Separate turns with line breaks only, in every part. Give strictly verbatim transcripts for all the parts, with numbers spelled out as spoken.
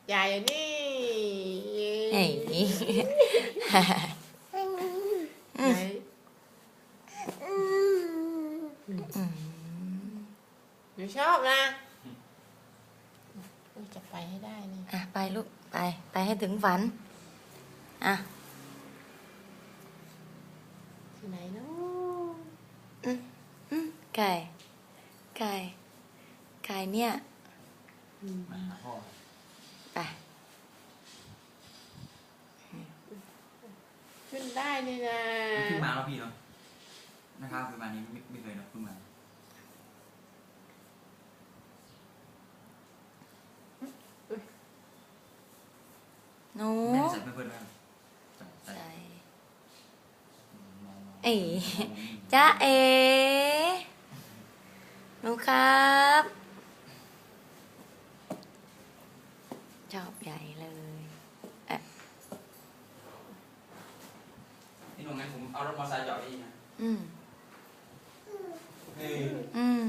ใหญ่นี่
เฮ้ย
ไหนหนูชอบนะจะไปให้ได้นี่
อ่ะไปลูกไปไปให้ถึงฝันอ่ะ
ที่ไหนเนาะ
อืมอืมไก่ไก่ไก่เนี่ยไป
ขึ้นได้นี่นะ
ขึ้นมาแล้วพี่เนาะนะครับขึ้นมานี้ไม่ไม่เคยเนาะขึ้นมา
หนู
แม่ใส่เพื่อนๆไหมใส่
ใส่เอ๋จ้าเอ๋หนูครับชอบใหญ่เลยเอ๊ะ
นี่หนูงั้นผมเอารถมอเตอร์ไซค์จอดที่นี่นะ
อืม
เฮ้ย
อืม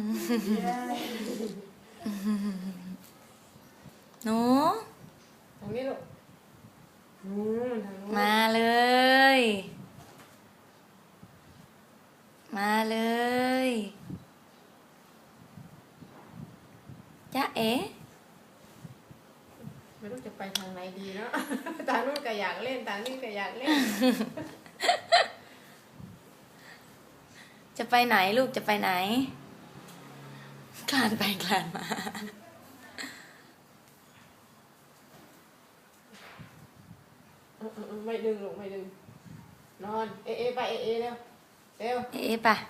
หนู
ตรงนี้ลูกอืมทางนู้น
มาเลย มาเลยจ้าเอ๋
ไม่รู้จะไปทางไหนดีเนาะ ทางนู้นก็อยากเล่นทางนี้ก็อยากเล่น
จะไปไหนลูกจะไปไหนคลานไปคลานมา
เออเออเออไม่ดึงลูกไม่ดึงนอนเอเอไปเอเอเร็วเร็ว
เอ๊ะไปะ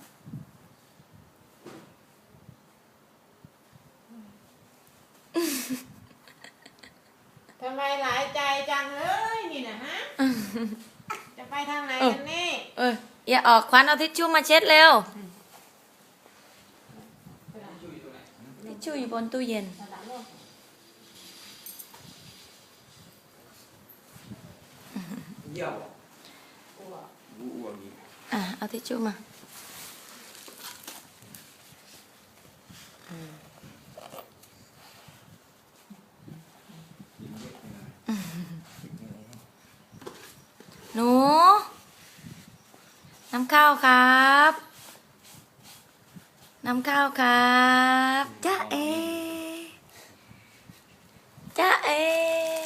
ทำไมหลายใจจังเลยนี่นะฮะ จะไปทางไหนกันนี่
เอออย่าออกควันเอาทิชชู่มาเช็ดเร็วทิชชู่อยู่บนตู้เย็น
เยี่ยวอ้วกอ้วกอีก
อ่ะเอาทิชชู่มาหนูน้ำข้าวครับน้ำข้าวครับจ้าเอจ้าเอ